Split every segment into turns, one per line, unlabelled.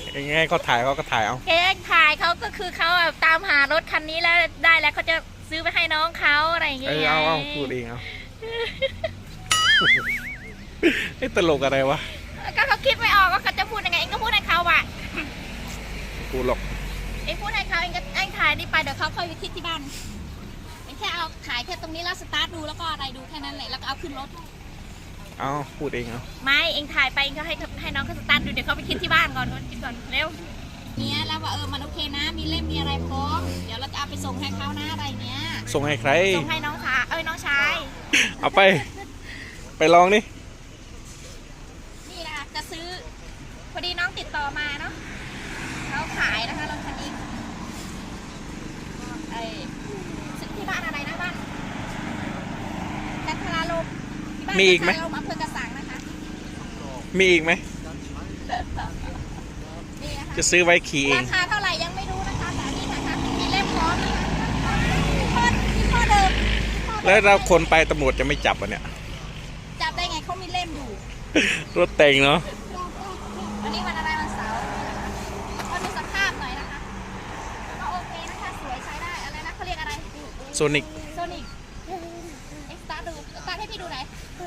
ยังไงเขาถ่ายเขาก็ถ่ายเอา
เองถ่ายเขาก็คือเขาตามหารถคันนี้แล้วได้แล้วเขาจะซื้อไปให้น้องเขาอะไรอย่างเงี้ย
เอาพูดเองเอาไอ้ตลกอะไรวะ
ก็เขาคิดไม่ออกว่าเขาจะพูดยังไงเองก็พูดให้เขาว่ะ
กูหลอก
เองพูดให้เขาเองก็เองถ่ายนี่ไปเดี๋ยวเขาค่อยไปที่บ้านเองแค่เอาถ่ายแค่ตรงนี้แล้วสตาร์ทดูแล้วก็อะไรดูแค่นั้นแหละแล้วก็เอาขึ้นรถ
เอาพูดเองเอา
ไม่เองถ่ายไปเองก็ให้น้องเขาสตาร์ทดูเดี๋ยวเขาไปคิดที่บ้านก่อนคิดก่อนเร็วเนี้ยแล้วว่ามันโอเคนะมีเล่มมีอะไรพร้อมเดี๋ยวเราจะเอาไปส่งให้เขานะอะไรเนี้ย
ส่งให้ใคร
ส่งให้น้องชายน้องชาย
เอาไปลองนี่
นะจะซื้อพอดีน้องติดต่อมาเนาะเขาขายนะคะรถคันนี้ที่บ้านอะไรนะบ้านแคนทราลม
มีอีกไหม
อำเภอกระสังนะคะ
มีอีกไหมจะซื้อไว้ขี่เอง
ราคาเท่าไหร่ยังไม่รู้นะคะแต่นี่นะคะมีเล่มพร้อมที่พ่อเดิม
แล้วเราคนไปตำรวจจะไม่จับอ่ะเนี่ย
จับได้ไงเขามีเล่มอยู่
รถแต่งเนาะ
วันนี้วันอะไรวันเสาร์ก็ดูสภาพหน่อยนะคะก็โอเคนะคะสวยใช้ได้อะไรนะเขาเรียกอะไร
โซนิก
เอ็กซ์ตาร์ดูสตาร์ให้พี่ดูหน่อย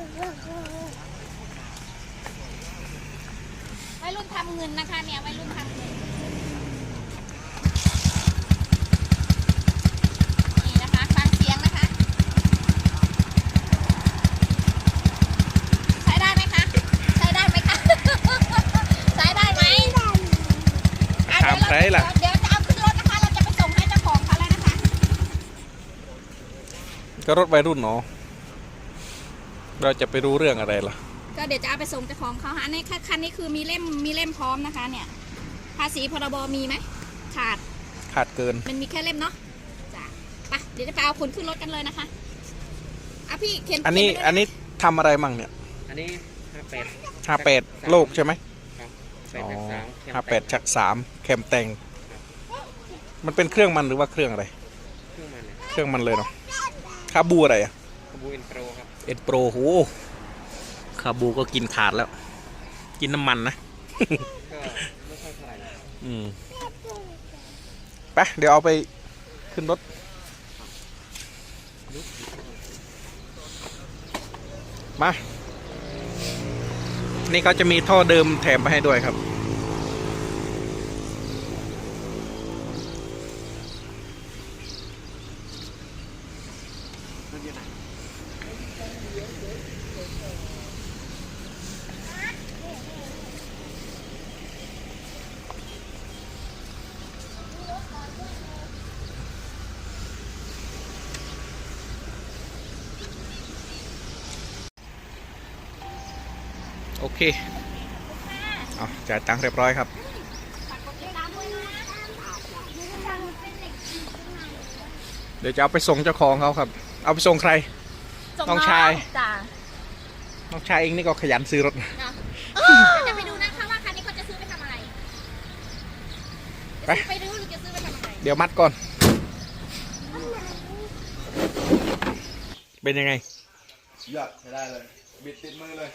วัยรุ่นทำเงินนะคะเนี่ยวัยรุ่นทำเงินนี่นะคะฟังเสียงนะคะใช้ได้ไหมคะใช้ได้ไหมคะใช้ได้ไหม
ถามใครล่ะ
เดี๋ยวจะเอาขึ้นรถนะคะเราจะไปส่งให้เจ้าของเขาแล้วนะคะ
ก็รถวัยรุ่นเนาะเราจะไปรู้เรื่องอะไรล่ะ
ก็เดี๋ยวจะเอาไปส่งเจ้าของเขาอันนี้คันนี้คือมีเล่มพร้อมนะคะเนี่ยภาษีพรบมีไหมขาด
เกิน
มันมีแค่เล่มเนาะจ้ะไปเดี๋ยวจะไปเอาขนขึ้นรถกันเลยนะคะพี่เข็น
อันนี้ทำอะไรมั่งเนี่ย
อันนี้
58โลกใช่ไหม58/3แคมแต่งมันเป็นเครื่องมันหรือว่าเครื่องอะไรเครื่องมันเลยเนาะคาบูอะไรอะ
คาบูเอ็นโปรครับ
เอ็นโปรโหคาบูก็กินขาดแล้วกินน้ำมันนะ
ก็ไม่ค่อยเท่าไหร่
ไปเดี๋ยวเอาไปขึ้นรถมานี่เขาจะมีท่อเดิมแถมไปให้ด้วยครับโอเคเอาจ่ายตังค์เรียบร้อยครับเดี๋ยวจะเอาไปส่งเจ้าของเขาครับเอาไปส่งใครน้องชายน้องชายเองนี่ก็ขยันซื้อรถ
จะไปดูนะคะว่าคันนี้เขาจะซื้อไปทำอะไรไปดูหรือจะซื้อไปทำอะไร
เดี๋ยวมัดก่อนเป็นยังไง
ยอดใช้ได้เลยบิดติดมือเลย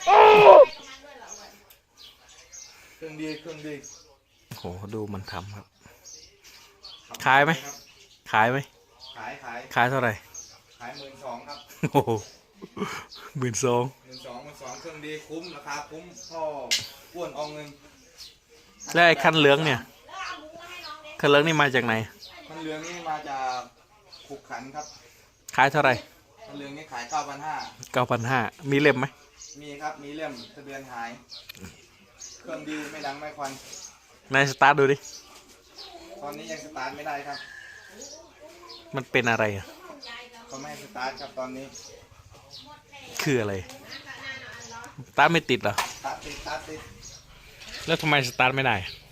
เครื่องดี
โหดูมันทำครับขายไหมขายเท่าไหร่
ขาย12,000ครับ
โอ้โห12,000
เครื่องดีคุ้มราคาคุ้มพ่ออ้วนอองเงิน
แล้วไอ้คันเหลืองเนี่ยคันเหลืองนี่มาจากไหน
คันเหลืองนี่มาจากขุกขันครับ
ขายเท่าไหร่
คันเหลืองนี่ขาย9,500
มีเล่มไหม
มีครับมีเล่มทะเบียนหายเครื่องดีไม่ดังไม่ควัน
นายสตาร์ทดูดิ
ตอนนี้ยังสตาร์ทไม่ได้ครับ
มันเป็นอะไรอ่ะ
เขาไม่ให้สตาร์ทครับตอนนี้
คืออะไรสตาร์ทไม่ติดเหรอ
สตาร์ทติด
แล้วทำไมสตาร์ทไม่ได้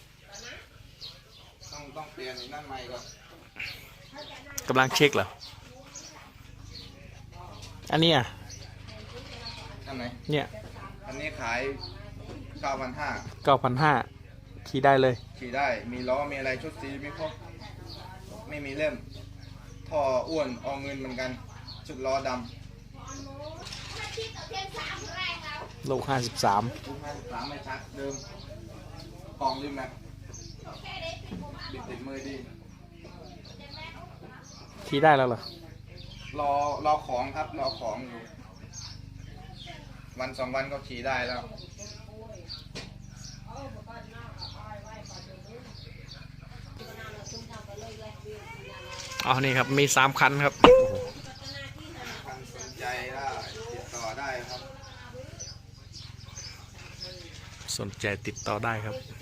ต้องเปลี่ยนนั่นใหม่ก่อน
กำลังเช็คเหรออันนี้อ่ะ
อันไหน
เนี่ย
อันนี้ขาย
9,500ขี่ได้เลย
ขี่ได้มีล้อมีอะไรชุดสีมีครบไม่มีเล่มท่ออ้วนอองเงินเหมือนกันชุดล้อดำ
โลก53
ไม่ชักเดิมกล่องริมแม็กติดมือดี
ขี่ได้แล้วเหรอ
รอของครับรอของอยู่ วันสองวันก็ขี่ได้แล้ว
อ๋อนี่ครับมี3 คันครับ
ท่านสนใจได้ติดต่อได้ครับ
สนใจติดต่อได้ครับ